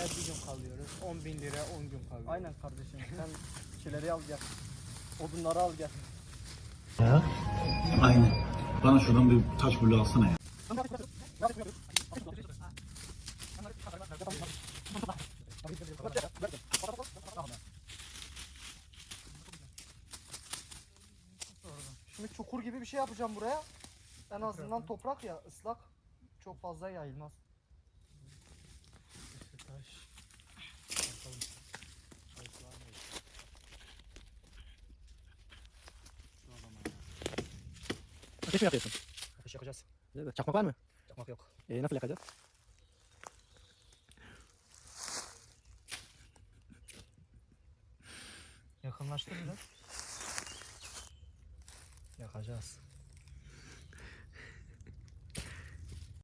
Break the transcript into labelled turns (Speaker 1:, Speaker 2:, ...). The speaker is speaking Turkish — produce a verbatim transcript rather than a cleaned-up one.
Speaker 1: bir gün kalıyoruz. on bin lira on gün kalıyoruz.
Speaker 2: Aynen kardeşim. Sen şeyleri al gel. Odunları al gel.
Speaker 3: Ya. Aynen. Bana şuradan bir taş bulu alsana ya.
Speaker 2: Şimdi çukur gibi bir şey yapacağım buraya. En azından toprak ya, ıslak. Çok fazla yayılmaz.
Speaker 1: İşte taş. Bakalım. Taş var mı? Şu adama ya.
Speaker 4: Ateş mi yakıyorsun?
Speaker 2: Ateş yakacağız.
Speaker 4: Çakmak var mı?
Speaker 2: Çakmak yok.
Speaker 4: E, nasıl yakacağız?
Speaker 2: Yakınlaştır biraz. Yakacağız.